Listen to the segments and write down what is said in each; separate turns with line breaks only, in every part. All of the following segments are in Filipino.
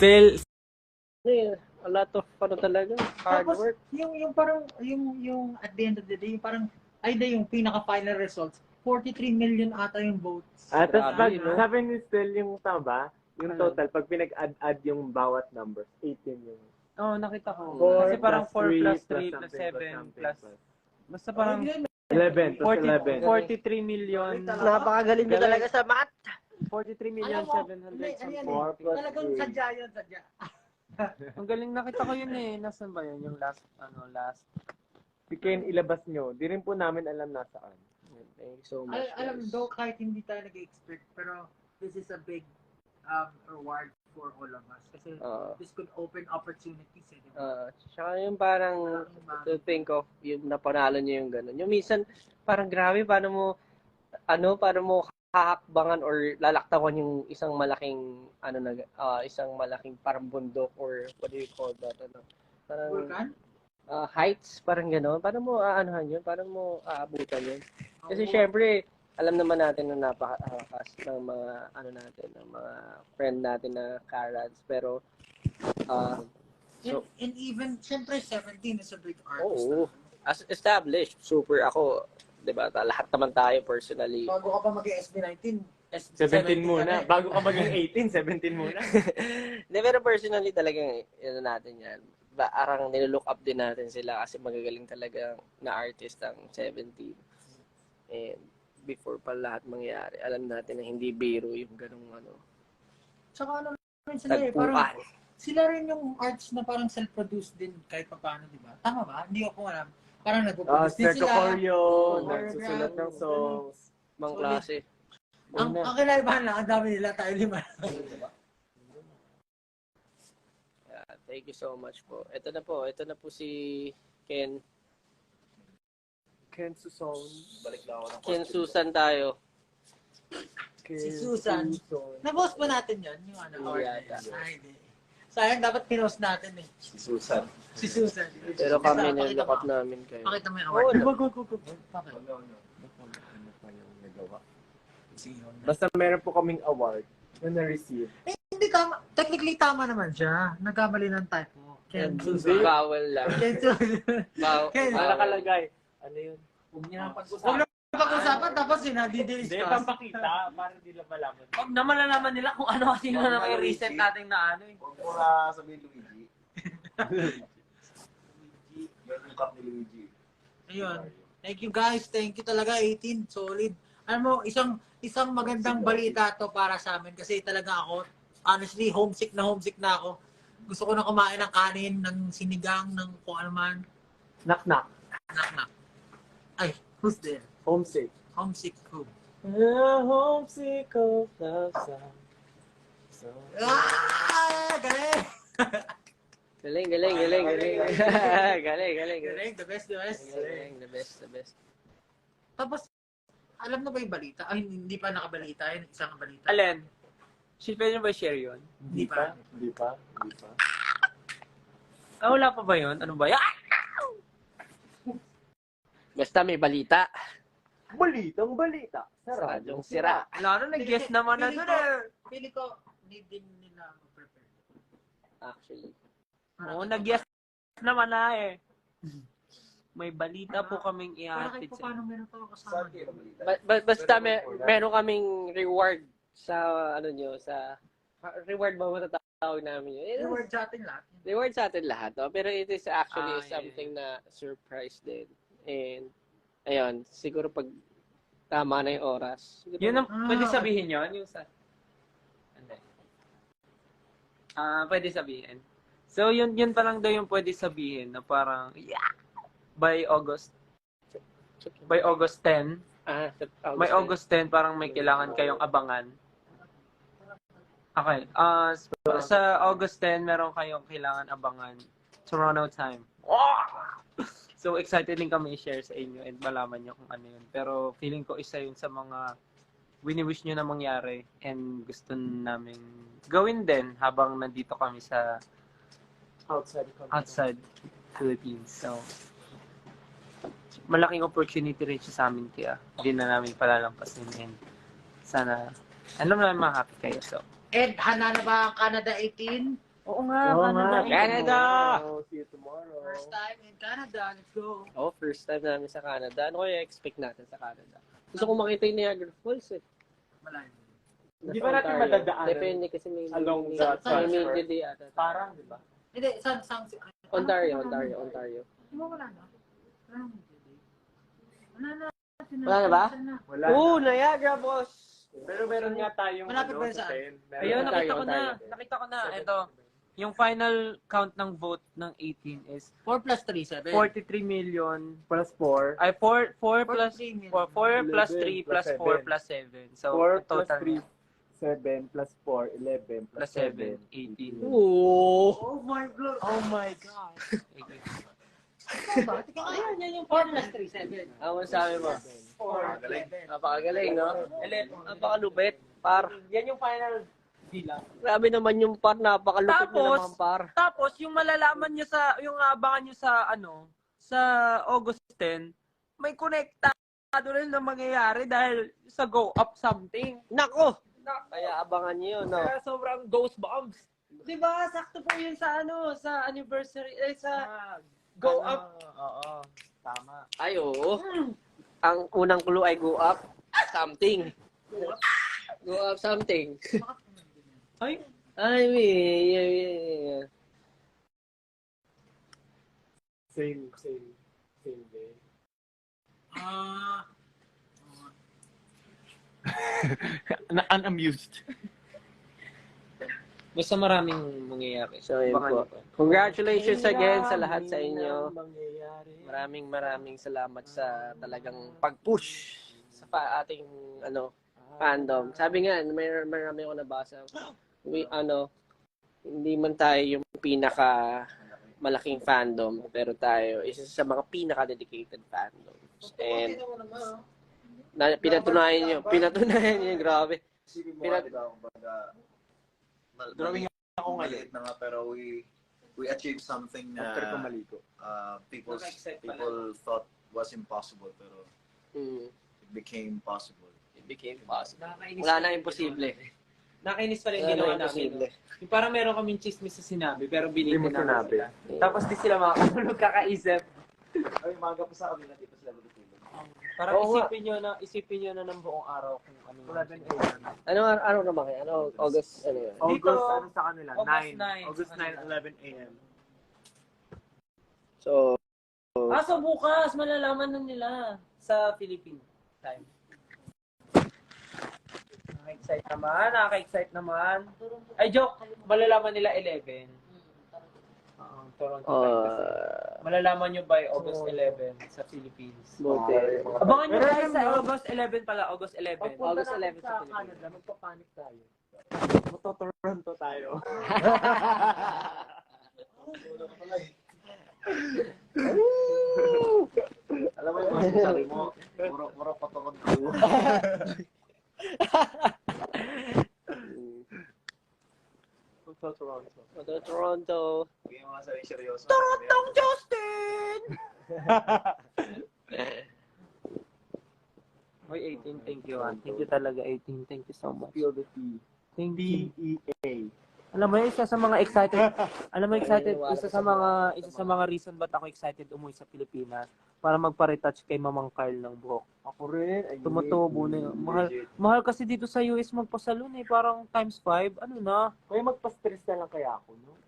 Still,
A lot of talaga, hard
Tapos,
work.
yung parang, yung at the end of the day, yung parang, yung pinaka-final results, 43 million ata yung votes.
Tapos pag
Grabe, no?
sabi ni Stel yung tama ba? Yung
Ano?
total, pag pinag-add yung bawat numbers, 18 yung...
oh, nakita ko.
4
Kasi parang 4 plus 3 plus
something
7 plus. Basta parang
11 plus 11.
43 million.
Napakagaling mo talaga sa math.
43 million
Alam mo,
700 something.
4 plus
Talagang
3.
sadya yun, sadya.
Ang galing, nakita ko yun eh. Nasaan ba yun? Yung last.
Si Ken, ilabas nyo. Di rin po namin alam nasaan.
Thank you so much,
Alam,
guys.
though kahit hindi tayo nag-expect, pero this is a big reward for all of us. Kasi this could open opportunities.
Tsaka yung parang to think of, yung napanalo niyo yung gano'n. Yung minsan, parang grabe, paano mo hahakbangan or lalaktawan yung isang malaking, isang malaking parang bundok or what do you call that, parang,
Vulcan?
heights, parang gano'n. Paano mo aanohan yun? Paano mo aabutan yun? Kasi syempre, alam naman natin na napakakas ng mga, ng mga friend natin na Karads, pero, so,
and even, syempre, 17 is a big artist.
oo. As established, super ako, 'di ba? Lahat naman tayo personally.
Bago ka pa mag-SB19,
17 muna.
ka na eh.
Bago ka maging 18, 17 muna.
Hindi, pero personally talagang, natin yan. Arang nilook up din natin sila kasi magagaling talaga na artist ang 17. And before pa lahat mangyari, alam natin na hindi biro yung ganung
Tsaka rin sila eh, parang,
tagpuan.
sila rin yung arts na parang self-produced din kahit pa paano, di ba? Tama ba? Hindi ako alam. Parang nagpo-produce din
Sergio
sila.
Corio,
Oo,
nagsusulat ng songs.
Mang
Solid.
klase.
Ang kinaibahan lang, ang dami nila, tayo lima.
Yeah, thank you so much po. Ito na po si Ken.
Ken Suson. Balik lang ako ng
Ken Susan tayo.
Si Susan. Na-post ba natin yun? Yung award na
Yata.
yun? Ay, hindi. Sayang, dapat pinost natin eh.
Si Susan.
Si Susan.
Pero kami
Pakita
nilook up
mo.
namin kayo.
Pakita mo yung award.
Bakit? Basta meron po kaming award na na-receive.
Eh, hindi tama. Technically tama naman siya. Nagkamali ng typo. Ken Susan.
Bawal lang.
Ken Susan.
Bawal.
Wala nakalagay. Ano yun?
Huwag niya nang pag-usapan. Pag-usapan, tapos
Hindi,
sinadi-discuss.
pampakita para hindi lang malaman.
Huwag na malalaman nila kung ano kasi yung i-reset natin na ano eh.
Huwag mo na sabihin Luigi. Luigi. Yan yung cup ni Luigi.
Ayun. Thank you guys. Thank you talaga. 18. Solid. Alam mo, isang magandang balita to para sa amin kasi talaga ako, honestly, homesick na ako. Gusto ko na kumain ng kanin, ng sinigang, ng kung ano man.
Knock-knock.
Nak. Ay, who's there?
Homesick.
Homesick who?
Homesick of love song.
Galing!
Galing. Galing.
Galing, the best.
Galing, the best.
Tapos, alam na ba yung balita? Ay, hindi pa nakabalita. Yun, isang balita.
Alin? Pwede nyo ba share yun?
Hindi pa.
Hindi pa.
Ah, wala pa ba yun? Ano ba?
Basta may balita.
Balitang balita. Sa
Radyong sira.
Wala na, nag-guess naman na doon eh.
Pili ko, need din nila mag-prepare.
Actually.
Oo, nag-guess naman na eh. May balita po kaming
Para
ihatid
kahit pa
sa
paano meron pa ako kasama.
Saan kayo balita?
Basta meron kaming reward sa sa reward ba matatawag namin yun?
Reward sa atin lahat.
Reward sa atin lahat, no? Pero it is actually
Ah, yeah,
something na surprise din. And ayun, siguro pag tama na yung oras. Siguro,
Yun ang pwede sabihin yun? Yung sa... Hindi. Pwede sabihin. So, yun pa lang daw yung pwede sabihin na parang, by August 10, may August 10, parang may kailangan kayong abangan. Okay. Sa August 10, meron kayong kailangan abangan. Toronto time. So, excited din kami i-share sa inyo and malaman nyo kung ano yun. Pero, feeling ko isa yun sa mga wini-wish nyo na mangyari and gusto namin gawin din habang nandito kami sa outside Philippines. So, malaking opportunity rin siya sa amin kaya hindi na namin palalampasin and sana, alam namin mga happy kayo. So,
Ed, handa na ba ang Canada 18?
Oo nga,
Oo
Canada.
nga,
Canada!
See you tomorrow.
First time in Canada. Let's go.
Oh, first time namin sa Canada. Ano kaya expect natin sa Canada? Gusto ko makita yung Niagara Falls eh.
Malayo.
Hindi
Nasa
ba natin
Ontario.
madadaanan?
Depende kasi may
Along
may-
the
may
transfer?
may day ata.
Parang, di ba?
Hindi, saan?
Ontario.
Di ba wala na? Wala na. Wala na.
Wala na ba?
Wala.
Oo, Niagara Falls!
Pero meron nga tayong
Malapit ba yun
sa
saan?
10. Meron
Ayun,
tayo,
nakita ko na.
Ontario.
Nakita ko na. Ito. Yung final count ng vote ng 18 is
4 plus 3, 7.
43 million.
Plus 4.
Ay, 4 plus
43 million.
4 plus
11
3
plus
plus 4
7.
plus 7. So,
4 plus
total
3, 7 plus 4, 11
plus 7, 18.
Oo!
Oh my God.
Oh my God.
Ayan, yan yung 4 plus 3, 7.
Ano sabi mo?
4,
Galing.
11.
Napakagaling, no? Napakalupit. Par.
Yan yung final bilang.
Grabe naman yung par. Napakalupit na
Tapos,
naman par.
Tapos, yung malalaman nyo sa, yung abangan nyo sa, sa August 10, may konektado rin na mangyayari dahil sa Go Up something.
Nako! Kaya abangan nyo yun, no?
Kaya sobrang ghost bombs. Diba? Sakto po yun sa, sa anniversary, sa Go Up.
Oo. Tama.
Ay, oo. Ang unang clue ay go up something. Go up something.
Ay,
Ay, yeah.
Same day.
Ah,
Unamused.
basta maraming mangyayari.
So, yun po. Congratulations again sa lahat sa inyo. Maraming salamat sa talagang pag-push sa ating fandom. Sabi nga, marami ako nabasa. Hindi man tayo yung pinaka malaking fandom, pero tayo isa sa mga pinaka-dedicated fandoms. And pinatunayan nyo, grabe.
Isipin mo,
Pinat-
di ba, kumbaga,
Drawing ako ngayon.
maliit na nga, pero we achieved something
After ko
na
maligo.
people
Naka-excite pala.
people thought was impossible, pero it became possible.
It became possible.
Nakakainis.
Wala na imposible.
Nakainis pala yung
Wala
ginawa
na
namin.
imposible.
No? Yung parang meron kaming chismis sa sinabi, pero
Hindi
binigyan
mo
namin
sinabi.
sila. Tapos di sila makakatulog kakaisip.
Ay, maga pa sa kanila, dito sila matutulog.
Parang
Oo nga.
isipin nyo na ng buong araw kung ano yung
11 a.m.
Ano naman kayo? August, ano yun?
August,
Dito,
ano sa kanila?
August
9.
9.
August 9, 11 a.m.
So,
So bukas, malalaman na nila sa Philippine time. Nakaka-excite naman. Ay, joke. Malalaman nila 11. Toronto time kasi. Malalaman nyo by August 11 sa Philippines.
buti.
Abangan nyo
Pero
guys
alam
sa
mo,
August 11 pala. August 11.
August 11 sa
sa
Pilipinas.
Canada, magpapanik tayo. Toronto tayo.
Alam mo yung mga sinasabi mo, muro patungkod ko.
Toronto.
Hindi yung mga sabi seryoso.
Torontong Justin! Hoy, 18, thank you. Thank you talaga, 18. Thank you so much.
Feel the tea.
Thank you.
T-E-A.
Alam mo, isa sa mga excited, isa sa mga reason ba't ako excited umuwi sa Pilipinas para magpa-retouch kay Mamang Carl ng buhok.
Ako rin. Ay,
Tumutubo na yun. Mahal kasi dito sa US magpa-salon eh, parang times 5, ano na.
Kaya magpa-stress na lang kaya ako, no?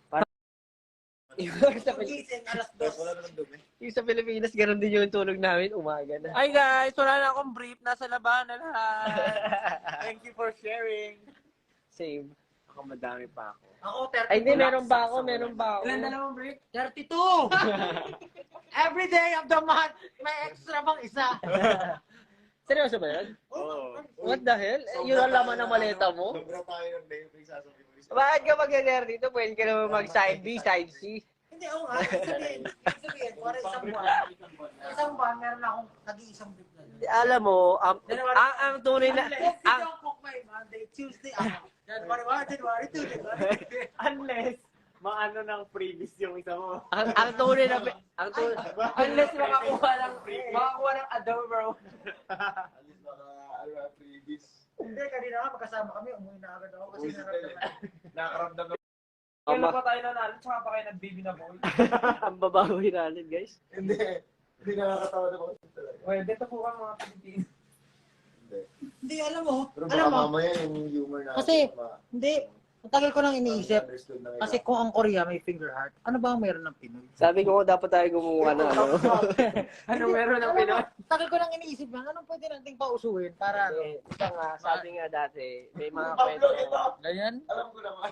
Gising, alas 2.
Wala naman dumi.
Yung sa Pilipinas, ganun din yung tulog namin, umaga na.
Ay guys, wala na akong brief, nasa labanan lahat.
Thank you for sharing.
Same.
Ako madami pa ako.
Ako, 30.
Ay, hindi, meron ba ako?
Ilan dalawang brief?
32! Every day of the month, may extra bang isa.
Seryoso ba yun?
Oo.
What the hell? Yun ang laman ng maleta mo?
Sobra tayo ng day, yung sasabihin mo.
Bakit ka mag-ganyan dito? Pwede ka naman mag-side B, side C.
Hindi, oo nga. Sabihin, para isang buwan, meron akong nag-iisang brief na.
Alam mo, ang tunay na...
Unless you don't cook my Monday, Tuesday, January 1, January 2, January 3.
Unless, maano ng previous yung isa mo.
ang tunay na... Ang tunay...
Unless makakuha ng adobo.
Alis baka, previous.
Hindi, kanina nga magkasama kami, umuwi na agad ako kasi nararamdaman.
Nakaramdam
Kailan pa tayo nanalo, tsaka pa kayo nag-baby na boy.
Ang babawi natin, guys.
Hindi. Hindi nakakatawa na ako talaga.
Well, dito po ka mga Pilipino.
Hindi.
Hindi, alam mo.
Pero
Alam
baka
mo.
mamaya yung humor na
Kasi, hindi. Ang tagal ko nang iniisip.
understood na
Kasi kung ang Korea may finger heart, ano ba ang meron ng Pinoy?
Sabi ko dapat tayo gumawa na, ano?
Ano meron ng
Alam mo,
Pinoy?
tagal ko nang iniisip yan. Anong pwede nating pausuin para ano?
Ito nga, sabi nga dati, may mga
Pablo,
kwento.
ito.
Ganyan?
Alam ko naman.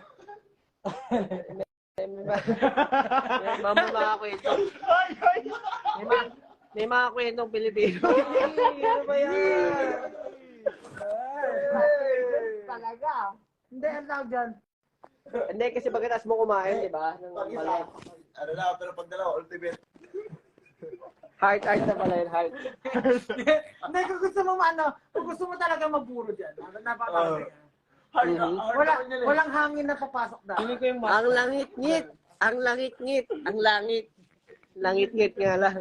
Mga kwento. May mga kwentong Pilipino. Ano ba yan?
Talaga. Hindi, ang tawag dyan.
Hindi, kasi pagkatapos mo kumain, di ba?
Pag-isa. Ano na, pero pag dalawa, ultimate.
Heart na pala yun, heart.
Hindi, kung gusto mo kung gusto mo talaga mapuro dyan, napakawin. Walang hangin na papasok na.
Ang langit-ngit. Ang langit-ngit. Ang langit. Langit-ngit nga lang.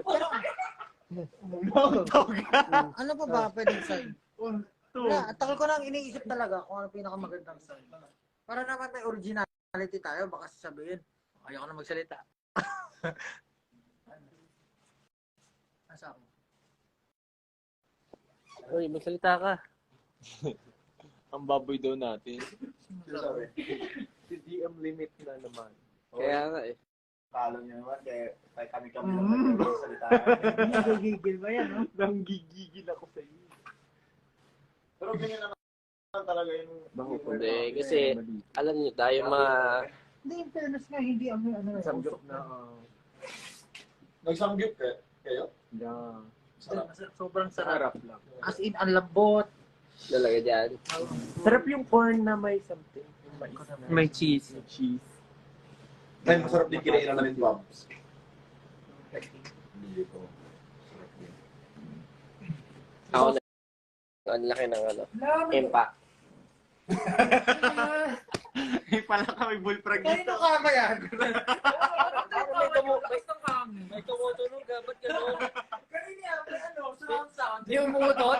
Ano pa ba pwedeng sign? Wala, tagal ko nang iniisip talaga kung ano pinakamagandang sign. Para naman may originality tayo, baka sasabihin, ayoko na magsalita. Asa ako?
Uy, magsalita ka.
Ang baboy daw natin.
Sino sabi?
Si DM limit na naman.
Kaya nga eh.
Talo niyo naman, kaya kami-kami lang nagsasalita.
Nagigigil ba yan, no?
Nanggigigil ako sa iyo.
Pero ganyan naman talaga yung humor
Hindi,
na-
kasi alam niyo tayo mga...
Hindi, in fairness nga, hindi ano,
Samgyup na.
Nagsamgyup kayo?
Yeah.
Sarap.
sobrang sarap.
Sarap lang.
As in, ang lambot.
Talaga dyan.
Sarap yung corn na may something. Yung mais.
May cheese.
May cheese.
Ay, masarap din kinain naman yung Bobs. Hindi ko. Sarap din.
Ako na. Ang laki ng ano. Impact.
May pala kami bullfrog
Kanino ka ba yan?
May tumutunog ka. Ba't gano'n?
Kanino yan? May ano, surround sound.
Yung umutot?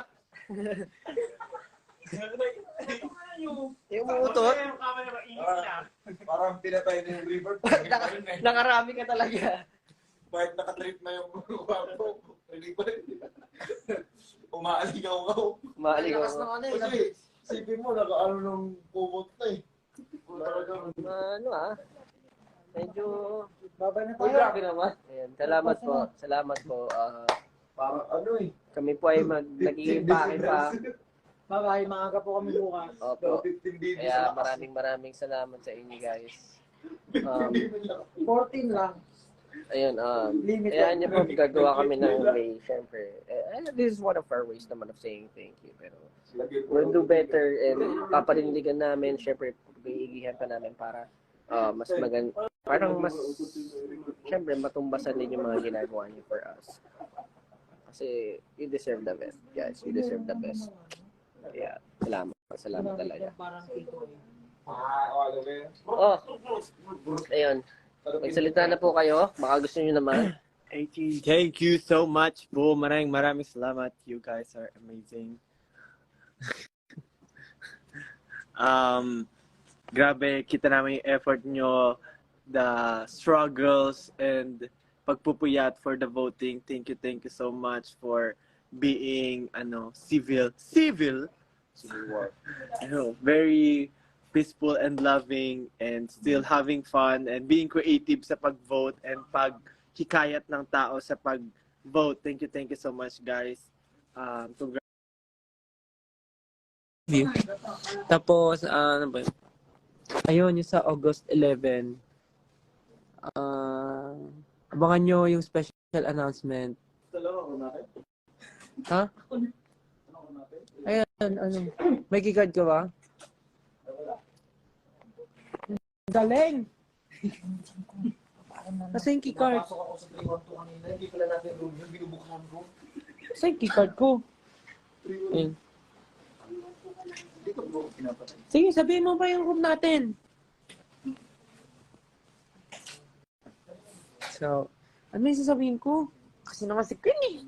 Yung umutot?
Parang pinatay na yung river.
Nakarami ka talaga.
Bakit nakatrip na yung kwarto? River. Umaaligaw-gaw.
Maaligaw.
Lakas ng ano eh.
Kasi, sipin mo, nakaano ng kumot na eh.
Ano medyo...
Babay na
Uy,
tayo.
grabe naman. Ayan, salamat po. Salamat po.
Parang ano eh.
Kami po ay nag-iimpake pa.
Bye-bye, maaga po kami bukas.
Opo.
15 days.
Kaya maraming salamat sa inyo guys.
14 lang.
Ayun,
Limit
kaya
lang.
niyo po gagawa kami ng way, syempre. This is one of our ways naman of saying thank you. Pero we'll do better and papanindigan namin, syempre, iigihan pa namin para mas parang mas, syempre, matumbasan din yung mga ginagawa niyo for us. Kasi you deserve the best, guys. You deserve the best. Kaya, salamat talaga.
Parang ito eh.
Oh, ayun. Magsalita na po kayo. Baka gusto niyo naman.
Thank you so much po. Maraming salamat. You guys are amazing. Grabe, kita namin yung effort nyo, the struggles, and pagpupuyat for the voting. Thank you so much for being, civil war. Very peaceful and loving and still having fun and being creative sa pag-vote and paghikayat ng tao sa pag-vote. Thank you so much, guys.
Tapos, ano ba yun? Ayun, yung sa August 11, abangan nyo yung special announcement. Ha? Ayan, may keycard ka ba? Galing! Nasa yung keycard?
Hindi pala natin room yung binubuksan ko.
Nasa yung keycard ko? Ayun.
Dito po, pinapatay.
Sige, sabihin mo pa yung room natin. So, ano yung sasabihin ko? Kasi naman si Queen eh.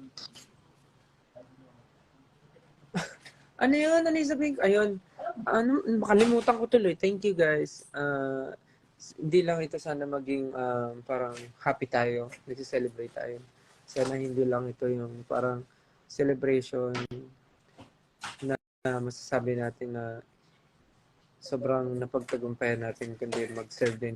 Ano yun? Ano yung sabihin ko? Ayun. Makalimutan ko tuloy. Thank you guys. hindi lang ito sana maging parang happy tayo, nag-celebrate tayo. Sana hindi lang ito yung parang celebration na masasabi natin na sobrang napagtagumpayan natin, kundi mag-serve din